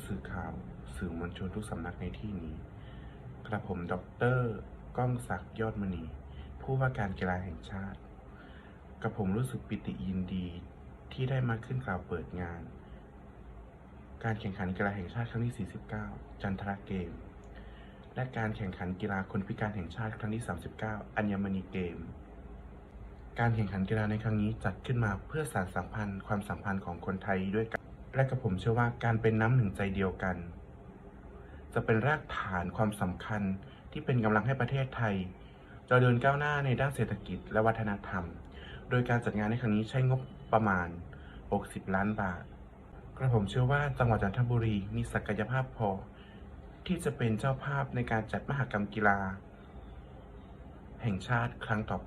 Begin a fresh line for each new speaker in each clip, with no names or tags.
สื่อข่าวสื่อมวลชนทุกสำนักในที่นี้กระผมดร.ก้องศักดิ์ยอดมณีผู้ว่าการกีฬาแห่งชาติกระผมรู้สึกปิติยินดีที่ได้มาขึ้นกล่าวเปิดงานการแข่งขันกีฬาแห่งชาติครั้งที่ 49 จันทรเกมและการแข่งขันกีฬาคนพิการแห่งชาติครั้งที่ 39 อัญมณีเกมการแข่งขันกีฬาในครั้งนี้จัดขึ้นมาเพื่อสานสัมพันธ์ความสัมพันธ์ของคนไทยด้วยกันและกระผมเชื่อว่าการเป็นน้ำหนึ่งใจเดียวกันจะเป็นรากฐานความสำคัญที่เป็นกำลังให้ประเทศไทยเจริญก้าวหน้าในด้านเศรษฐกิจและวัฒนธรรมโดยการจัดงานในครั้งนี้ใช้งบประมาณ60 ล้านบาทกระผมเชื่อว่าจังหวัดจันทบุรีมีศักยภาพพอที่จะเป็นเจ้าภาพในการจัดมหกรรมกีฬาแห่งชาติครั้งต่อไป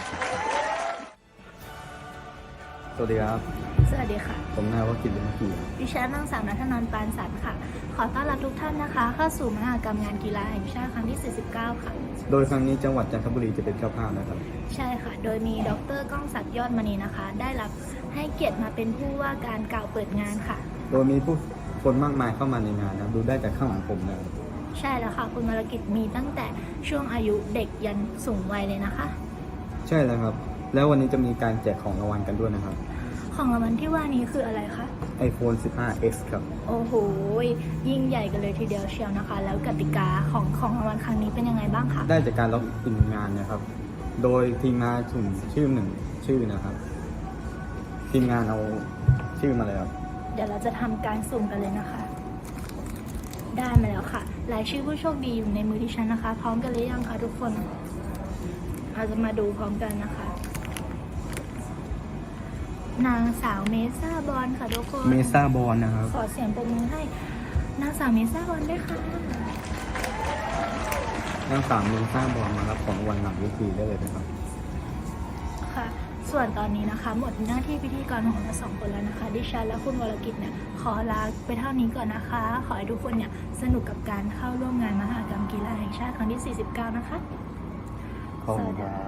สวัสดีครับ
สวัสดีค่ะ
ผมนายวกิจ บุญกี
ดิฉันนางสาวณัฐนันท์ ปานสันค่ะ ขอต้อนรับทุกท่านนะคะเข้าสู่มหกรรมงานกีฬาแห่งชาติครั้งที่ 49 ค่ะ
โดยครั้งนี้จังหวัดจันทบุรีจะเป็นเจ้าภาพนะครับ
ใช่ค่ะ โดยมีดร.ก้องศักดิ์ยอดมณีนะคะ ได้รับให้เกียรติมาเป็นผู้ว่าการกล่าวเปิดงานค่ะ
โดยมีผู้คนมากมายเข้ามาในงานนะดูได้จากข้างหลังผมนะครับ
ใช่แล้วค่ะ คุณวรกิจมีตั้งแต่ช่วงอายุเด็กยันสูงวัยเลยนะคะ
ใช่แล้วครับ แล้ววันนี้จะมีการแจกของรางวัลกันด้วยนะครับ
ของรางวัลที่ว่านี้คืออะไรคะ
iPhone 15X ครับ
โอ้โห ยิ่งใหญ่กันเลยทีเดียวเชียวนะคะ แล้วกติกาของรางวัลครั้งนี้เป็นยังไงบ้างคะ
ได้จากการล็อกอินงานนะครับ โดยทีมงานสุ่มชื่อ1 ชื่อนะครับ ทีมงานเอาชื่อมาเลยครับ
เดี๋ยวเราจะทำการสุ่มกันเลยนะคะ ได้มาแล้วค่ะ รายชื่อผู้โชคดีอยู่ในมือที่ฉันนะคะ พร้อมกันหรือยังคะทุกคน เราจะมาดูพร้อมกันนะคะ นางสาวเมซ่าบอลค่ะทุกคน
เมซ่าบอลนะครับ
ขอเสียงปรบมือให้นางสาวเมซ่าบอลด้วยค่ะ
นางสาวเมซ่าบอลมารับของรางวัลหลังเวทีได้เลยนะครับ
ค่ะ ส่วนตอนนี้นะคะ หมดหน้าที่พิธีกรของเรา2 คนแล้วนะคะ ดิฉันและคุณวรกิจเนี่ยขอลาไปเท่านี้ก่อนนะคะ ขอให้ทุกคนเนี่ยสนุกกับการเข้าร่วมงานมหกรรมกีฬาแห่งชาติครั้งที่ 49 นะคะ
ขอบคุณครับ